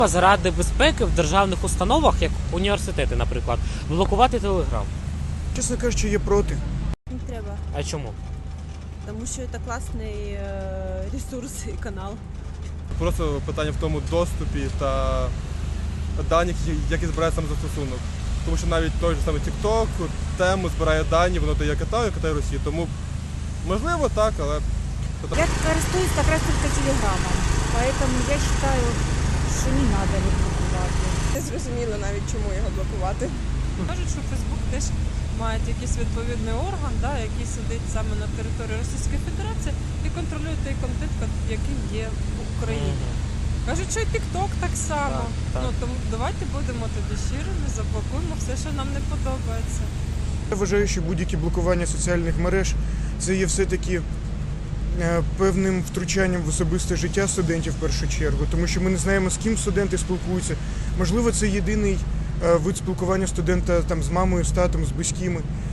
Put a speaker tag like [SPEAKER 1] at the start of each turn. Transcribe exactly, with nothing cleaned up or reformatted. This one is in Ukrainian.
[SPEAKER 1] Заради безпеки в державних установах, як університети, наприклад, блокувати Телеграм.
[SPEAKER 2] Чесно кажучи, я проти.
[SPEAKER 3] Не треба,
[SPEAKER 1] А чому?
[SPEAKER 3] тому що це класний е, ресурс і канал.
[SPEAKER 4] Просто питання в тому доступі та даних, які збирає сам застосунок. Тому що навіть той же самий TikTok тему збирає дані, воно дає Китаю, Китай Росії. Тому можливо так, але
[SPEAKER 5] Я користуюсь как раз только телеграммом, поэтому я считаю, що не надо його блокувати.
[SPEAKER 3] Не зрозуміло навіть, чому його блокувати.
[SPEAKER 6] Кажуть, що Фейсбук теж має якийсь відповідний орган, да, який сидить саме на території Російської Федерації і контролює той контент, який є в Україні. Кажуть, що і TikTok так само.
[SPEAKER 1] Так, так.
[SPEAKER 6] Ну тому давайте будемо тоді щирими, заблокуємо все, що нам не подобається.
[SPEAKER 2] Я вважаю, що будь-які блокування соціальних мереж – це є все-таки е, певним втручанням в особисте життя студентів в першу чергу, тому що ми не знаємо, з ким студенти спілкуються. Можливо, це єдиний е, вид спілкування студента там, з мамою, з татом, з близькими.